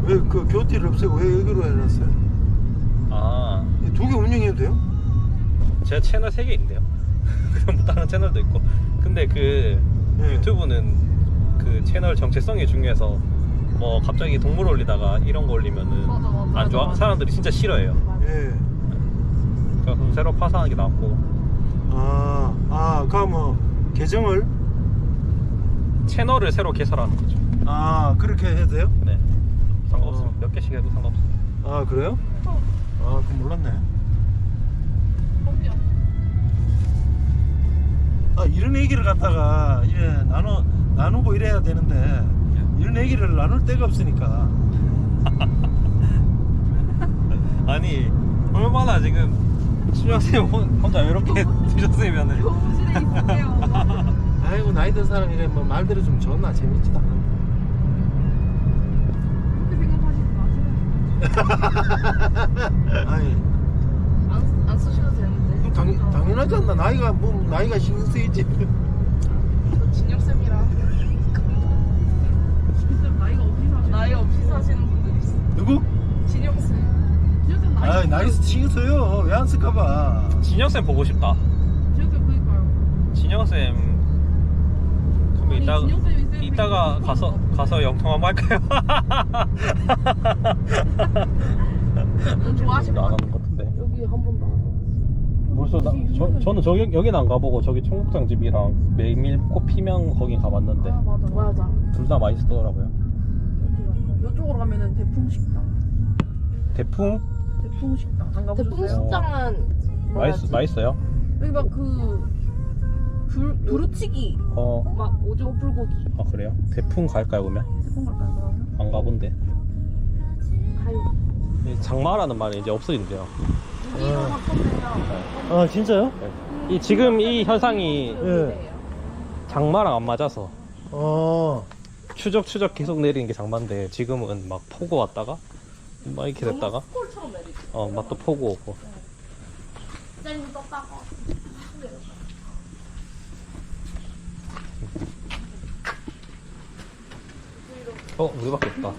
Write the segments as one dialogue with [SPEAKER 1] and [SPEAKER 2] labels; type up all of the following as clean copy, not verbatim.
[SPEAKER 1] 왜 그 교티를 없애고 왜 여기로 해놨어요?
[SPEAKER 2] 아,
[SPEAKER 1] 두 개 운영해도 돼요?
[SPEAKER 2] 제 채널 3개 있는데요. 그럼 뭐 다른 채널도 있고. 근데 그
[SPEAKER 1] 네.
[SPEAKER 2] 유튜브는 그 채널 정체성이 중요해서 뭐 갑자기 동물 올리다가 이런 거 올리면은
[SPEAKER 3] 맞아,
[SPEAKER 2] 안 좋아.
[SPEAKER 3] 맞아.
[SPEAKER 2] 사람들이 진짜 싫어해요.
[SPEAKER 1] 예.
[SPEAKER 2] 그래서 새로 파산하는 게 낫고.
[SPEAKER 1] 그럼 계정을
[SPEAKER 2] 채널을 새로 개설하는 거죠.
[SPEAKER 1] 그렇게 해도 돼요?
[SPEAKER 2] 네. 상관없습니다. 몇 개씩 해도 상관없습니다.
[SPEAKER 1] 그래요? 그럼 몰랐네. 이런 얘기를 갖다가 나누고 이래야 되는데 이런 얘기를 나눌 데가 없으니까.
[SPEAKER 2] 아니, 얼마나 지금 신영쌤 혼자 외롭게 드셨으면은.
[SPEAKER 3] 교무실에 있을게요.
[SPEAKER 1] 아이고 나이 든 사람이래 뭐 말대로 좀 좋나 재밌지도 않은데.
[SPEAKER 3] 그렇게 생각하시지 마세요.
[SPEAKER 1] 아니
[SPEAKER 3] 안 쓰셔도 되는데.
[SPEAKER 1] 당연하지 않나. 나이가 신경 쓰이지.
[SPEAKER 3] 저 진영쌤이랑 나이가 없이 사시는 분들 있어.
[SPEAKER 1] 누구?
[SPEAKER 3] 진영쌤. 진영쌤
[SPEAKER 1] 나이 신경 써요. 왜 안 쓸까봐.
[SPEAKER 2] 진영쌤 보고 싶다.
[SPEAKER 3] 진영쌤 그니까요.
[SPEAKER 2] 진영쌤 그럼 이따가 가서 영통 한번 할까요?
[SPEAKER 3] 좋아하시는
[SPEAKER 2] 안
[SPEAKER 3] 분?
[SPEAKER 2] 하는 것 같은데.
[SPEAKER 3] 여기 한 번도 안
[SPEAKER 2] 벌써 저는 여기는 안 가보고 저기 청국장 집이랑 메밀꽃 피명 거긴 가봤는데
[SPEAKER 3] 맞아.
[SPEAKER 2] 둘 다 맛있더라고요.
[SPEAKER 3] 이쪽으로 가면은 대풍식당.
[SPEAKER 2] 대풍
[SPEAKER 3] 대풍식당 안 가보셨어요?
[SPEAKER 4] 대풍식당은
[SPEAKER 2] 맛있어요?
[SPEAKER 3] 여기 막 두루치기 막 오징어 불고기.
[SPEAKER 2] 아 그래요? 대풍 갈까요 그러면?
[SPEAKER 3] 대풍 갈까요 그러면?
[SPEAKER 2] 안 가본데.
[SPEAKER 3] 가요.
[SPEAKER 2] 이 장마라는 말이 이제 없어진대요.
[SPEAKER 3] 이거 바꾼대요.
[SPEAKER 1] 진짜요?
[SPEAKER 2] 지금 이 현상이
[SPEAKER 1] 예.
[SPEAKER 2] 장마랑 안 맞아서
[SPEAKER 1] 어.
[SPEAKER 2] 추적 계속 내리는 게 장마인데 지금은 막 폭우 왔다가 막 이렇게 됐다가
[SPEAKER 3] 스콜처럼 내리지.
[SPEAKER 2] 막 또 폭우 오고.
[SPEAKER 3] 짠 떴다가.
[SPEAKER 2] 우리밖에 없다.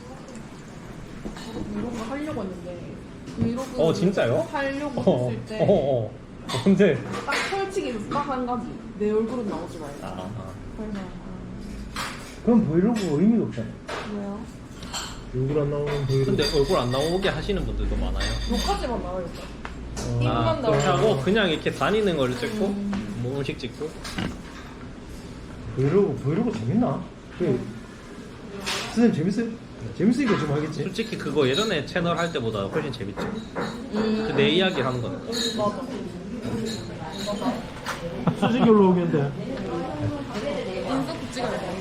[SPEAKER 3] 이런 거 하려고 했는데 브이로그
[SPEAKER 2] 진짜요?
[SPEAKER 3] 하려고 했을 때
[SPEAKER 2] 언제?
[SPEAKER 3] 딱 펼치기 딱 한 가지. 내 얼굴은 나오지 말고. 그래서
[SPEAKER 1] 그럼 브이로그 의미가 없잖아.
[SPEAKER 3] 뭐야?
[SPEAKER 1] 얼굴 안 나오는 브이로그.
[SPEAKER 2] 근데 얼굴 안 나오게 하시는 분들도 많아요.
[SPEAKER 3] 여기까지만 나와요. 입만
[SPEAKER 2] 그렇게 하고
[SPEAKER 3] 나오고.
[SPEAKER 2] 그냥 이렇게 다니는 걸 찍고 뭐 음식 찍고.
[SPEAKER 1] 브이로그 재밌나? 선생님 재밌어요? 재밌으니까 좀 하겠지.
[SPEAKER 2] 솔직히 그거 예전에 채널 할 때보다 훨씬 재밌죠. 내 이야기 하는 거는.
[SPEAKER 3] 맞아.
[SPEAKER 1] 수직결로 오겠는데.
[SPEAKER 3] 인서트 찍어야 돼.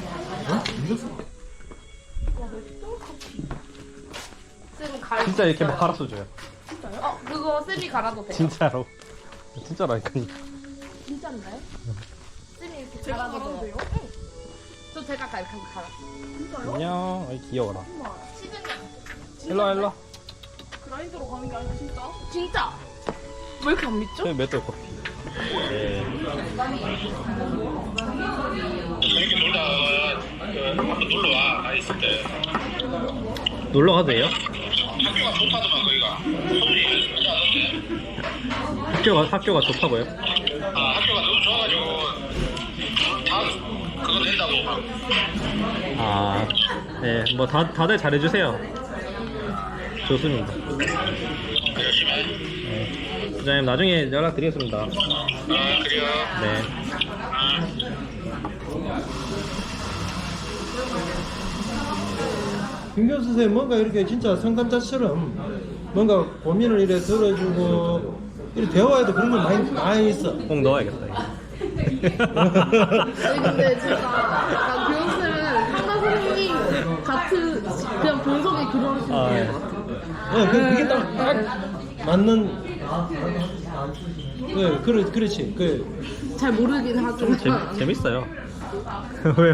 [SPEAKER 3] 쌤 갈.
[SPEAKER 2] 진짜 이렇게 말아서 줘요.
[SPEAKER 3] 진짜요? 그거 쌤이 갈아도 돼요.
[SPEAKER 2] 진짜로. 진짜라니까.
[SPEAKER 3] 진짜인가요? 쌤이 이렇게 갈아도 돼요? 응. 저 제가 갈아. 진짜요?
[SPEAKER 2] 안녕. 어이 귀여워라.
[SPEAKER 3] 시즌이야.
[SPEAKER 2] 일로와.
[SPEAKER 3] 그라인더로 가는 게 아니고 진짜? 진짜. 왜 이렇게 안 믿죠?
[SPEAKER 2] 맷돌 커피. 네.
[SPEAKER 5] 이렇게 한번 놀러 와. 나 있을 때.
[SPEAKER 2] 놀러 가도 돼요?
[SPEAKER 5] 학교가 좋다더만 거기가. 서울이 괜찮은데.
[SPEAKER 2] 학교가 좋다고요?
[SPEAKER 5] 학교가 너무 좋아가지고 다 그거 된다고 막.
[SPEAKER 2] 네. 뭐 다들 잘해주세요. 좋습니다.
[SPEAKER 5] 열심히 해.
[SPEAKER 2] 네. 부장님 나중에 연락드리겠습니다.
[SPEAKER 5] 그래요.
[SPEAKER 2] 네.
[SPEAKER 1] 김경 선생님 뭔가 이렇게 진짜 상담자처럼 뭔가 고민을 이렇게 들어주고 이렇게 대화에도 그런 거 많이 있어.
[SPEAKER 2] 꼭 넣어야겠다. 이거.
[SPEAKER 3] 아니 근데 제가 약간 교육쌤은 상담 선생님 같은 그냥 본성이 그러시는
[SPEAKER 2] 네.
[SPEAKER 3] 것 같아요.
[SPEAKER 1] 그게 딱 맞는. 그렇지.
[SPEAKER 3] 잘 모르긴 하지만
[SPEAKER 2] 재밌어요. 왜?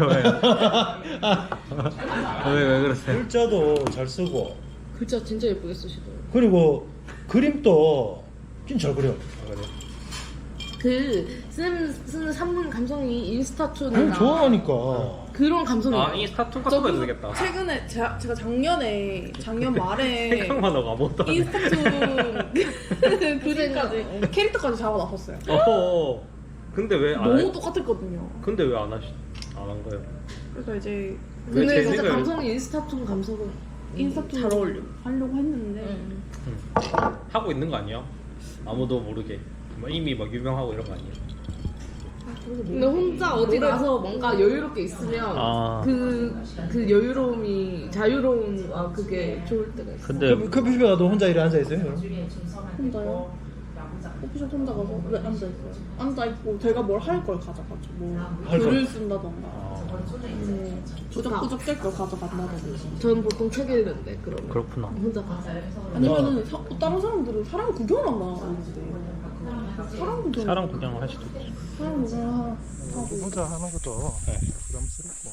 [SPEAKER 2] 왜 그러세요?
[SPEAKER 1] 글자도 잘 쓰고
[SPEAKER 3] 글자 진짜 예쁘게 쓰시더라고요.
[SPEAKER 1] 그리고 그림도 진짜 잘 그려.
[SPEAKER 3] 쌤 쓰는 산문 감성이 인스타촌이나
[SPEAKER 1] 좋아하니까.
[SPEAKER 3] 그런 감성이.
[SPEAKER 2] 아 인스타툰 같은 거 해도 되겠다.
[SPEAKER 4] 최근에 제가 작년 말에
[SPEAKER 2] 생각만 하고 아무것도 안 해.
[SPEAKER 4] 인스타툰 그림까지 캐릭터까지 잡아놨었어요.
[SPEAKER 2] 어허. 근데 왜 안
[SPEAKER 4] 너무
[SPEAKER 2] 해?
[SPEAKER 4] 똑같았거든요.
[SPEAKER 2] 근데 왜 안 한 거예요?
[SPEAKER 4] 그래서 이제
[SPEAKER 3] 근데
[SPEAKER 2] 왜
[SPEAKER 3] 진짜
[SPEAKER 2] 재생을-
[SPEAKER 3] 감성이 인스타촌 감성은
[SPEAKER 4] 인스타툰
[SPEAKER 3] 잘 어울려.
[SPEAKER 4] 하려고 했는데
[SPEAKER 2] 하고 있는 거 아니야? 아무도 모르게. 뭐 이미 막 유명하고 이런 거 아니야?
[SPEAKER 3] 근데 혼자 어디 가서 뭔가 여유롭게 있으면
[SPEAKER 2] 아.
[SPEAKER 3] 그 여유로움이 자유로운 그게 좋을 때가 있어.
[SPEAKER 2] 근데
[SPEAKER 1] 커피숍에 가도 혼자 이래 앉아있어요? 그럼?
[SPEAKER 4] 혼자요. 커피숍 혼자 가서 왜 앉아있어요? 앉아있고 제가 뭘 할 걸 가져가죠. 뭐
[SPEAKER 1] 할 걸.
[SPEAKER 4] 글을 쓴다던가 부적부적 될 걸 가져간다던가.
[SPEAKER 3] 저는 보통 책 읽는데 그러면
[SPEAKER 2] 그렇구나.
[SPEAKER 3] 혼자 가서.
[SPEAKER 4] 아니면은 다른 사람들은 사람 구경을 한다는데
[SPEAKER 2] 사람 구경을 할 수도 있지.
[SPEAKER 4] 사람 구경을 하고
[SPEAKER 1] 혼자 하는 것도
[SPEAKER 2] 네.
[SPEAKER 1] 부담스럽고.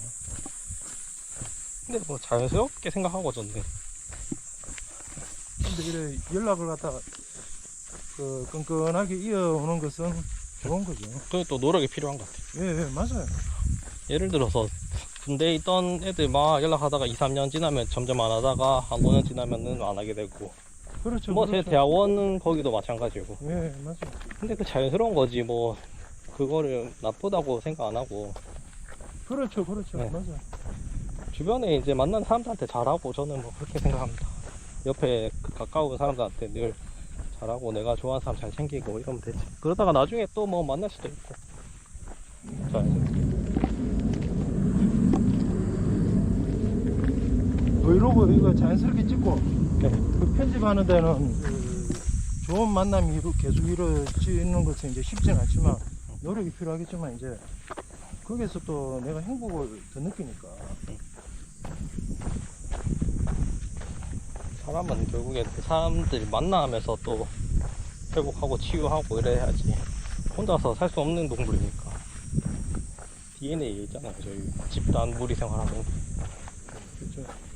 [SPEAKER 2] 근데 뭐 자연스럽게 생각하고 저는
[SPEAKER 1] 근데 이래 연락을 갖다 그 끈끈하게 이어오는 것은 좋은 거죠.
[SPEAKER 2] 그게 또 노력이 필요한 것 같아요.
[SPEAKER 1] 예, 맞아요.
[SPEAKER 2] 예를 들어서 군대에 있던 애들 막 연락하다가 2, 3년 지나면 점점 안 하다가 한 5년 지나면은 안 하게 되고
[SPEAKER 1] 그렇죠.
[SPEAKER 2] 뭐 제
[SPEAKER 1] 그렇죠.
[SPEAKER 2] 대학원은 거기도 마찬가지고
[SPEAKER 1] 예, 맞아요.
[SPEAKER 2] 근데 그 자연스러운 거지 뭐 그거를 나쁘다고 생각 안 하고
[SPEAKER 1] 그렇죠, 그렇죠.
[SPEAKER 2] 네.
[SPEAKER 1] 맞아요.
[SPEAKER 2] 주변에 이제 만나는 사람들한테 잘하고 저는 뭐 그렇게 생각합니다. 옆에 그 가까운 사람들한테 늘 잘하고 내가 좋아하는 사람 잘 챙기고 이러면 되지. 그러다가 나중에 또 뭐 만날 수도 있고. 자연스럽게.
[SPEAKER 1] 브이로그 이거 자연스럽게 찍고
[SPEAKER 2] 네.
[SPEAKER 1] 그 편집하는 데는 그 좋은 만남이 계속 이루어지는 것은 이제 쉽진 않지만 노력이 필요하겠지만 이제 거기서 또 내가 행복을 더 느끼니까.
[SPEAKER 2] 사람은 결국에 그 사람들이 만나면서 또 회복하고 치유하고 이래야지. 혼자서 살 수 없는 동물이니까. DNA에 있잖아요. 저희 집단 무리 생활하는 게.
[SPEAKER 1] 그렇죠.